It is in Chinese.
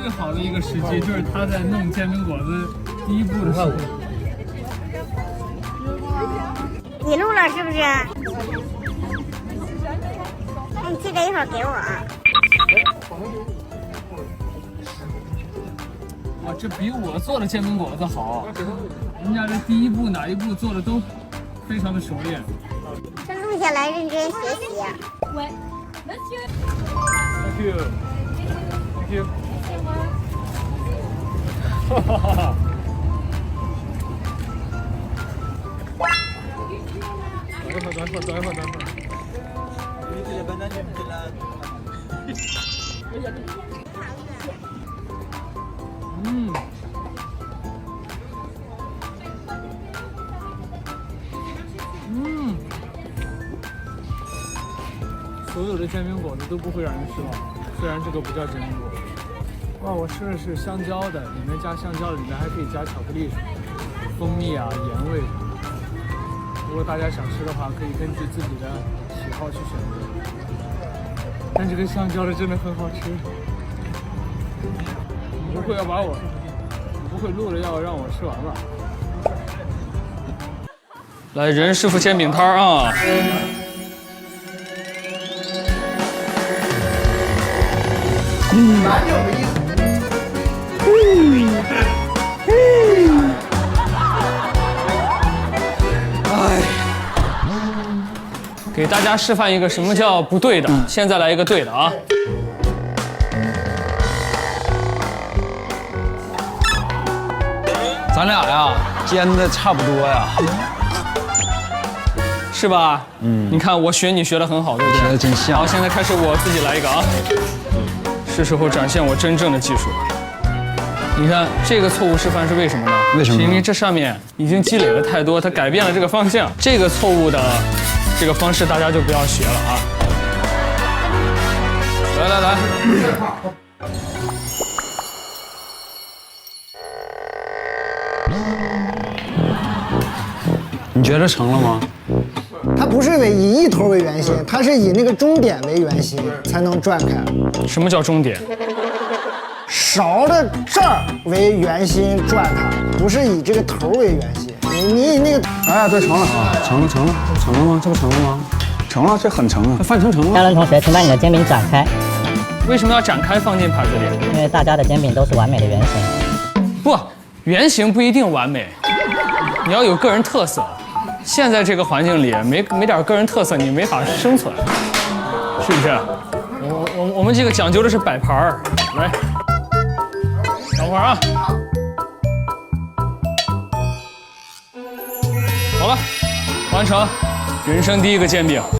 最好的一个时机就是他在弄煎饼果子第一步的时候。 你录了是不是？那你记得一会儿给我啊。 哇，这比我做的煎饼果子好，人家这第一步哪一步做的都非常的熟练。 这录下来认真学习。 Ouais. Monsieur. Thank you. Thank you. 哈哈哈哈。等一会儿。所有的煎饼果子都不会让人失望，虽然这个不叫煎饼果子。哇，我吃的是香蕉的，里面加香蕉，里面还可以加巧克力、蜂蜜啊、盐味。如果大家想吃的话，可以根据自己的喜好去选择。但这个香蕉的真的很好吃。你不会录了要让我吃完吧？来，任师傅煎饼摊啊！给大家示范一个什么叫不对的，现在来一个对的啊！ 咱俩呀煎的差不多呀， 是吧？你看我学你学的很好，对不对？ 学的真像。 好，现在开始我自己来一个啊！是时候展现我真正的技术了。你看这个错误示范是为什么呢？ 为什么？ 是因为这上面已经积累了太多，它改变了这个方向。这个错误的这个方式大家就不要学了啊！来， 你觉得成了吗？ 它不是以一头为圆心，它是以那个终点为圆心才能转开。 什么叫终点？ 勺的这儿为圆心转它，不是以这个头为圆心。你以那个， 哎，对，成了啊，成了吗？这不成了吗？成了，这很成啊，范成了。 张伦同学，请把你的煎饼展开。 为什么要展开放进盘子里？ 因为大家的煎饼都是完美的圆形。 不，圆形不一定完美，你要有个人特色。现在这个环境里，没点个人特色，你没法生存，是不是？我们这个讲究的是摆盘儿，来，等会儿啊。好了，完成人生第一个煎饼。